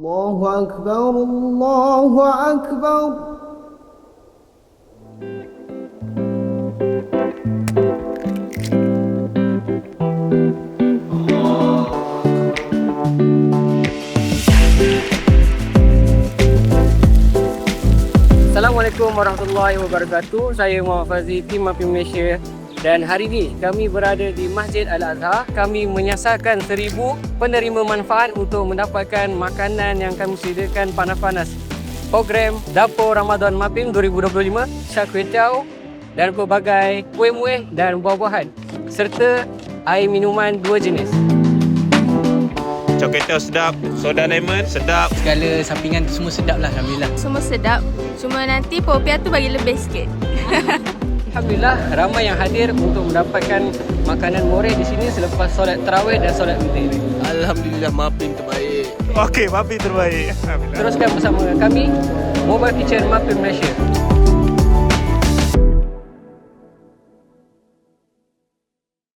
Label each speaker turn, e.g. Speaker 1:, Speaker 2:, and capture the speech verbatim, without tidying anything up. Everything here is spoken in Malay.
Speaker 1: Allahu Akbar, Allahu Akbar.
Speaker 2: Assalamualaikum warahmatullahi wabarakatuh. Saya Muhammad Fazli, tim Mapim Malaysia. Dan hari ini kami berada di Masjid Al-Azhar. Kami menyasarkan seribu penerima manfaat untuk mendapatkan makanan yang kami sediakan panas-panas. Program Dapur Ramadan Mapim dua ribu dua puluh lima, Syak Kway Teow dan pelbagai kuih-muih dan buah-buahan serta air minuman dua jenis.
Speaker 3: Coklat Teow sedap, soda lemon sedap.
Speaker 4: Segala sampingan tu semua sedap lah, Alhamdulillah.
Speaker 5: Semua sedap, cuma nanti popiah tu bagi lebih sikit.
Speaker 2: Alhamdulillah, ramai yang hadir untuk mendapatkan makanan murah di sini selepas solat tarawih dan solat witir.
Speaker 4: Alhamdulillah, Mapim terbaik.
Speaker 3: Okey, Mapim terbaik. Alhamdulillah.
Speaker 2: Teruskan bersama kami, Mobile Kitchen Mapim Malaysia.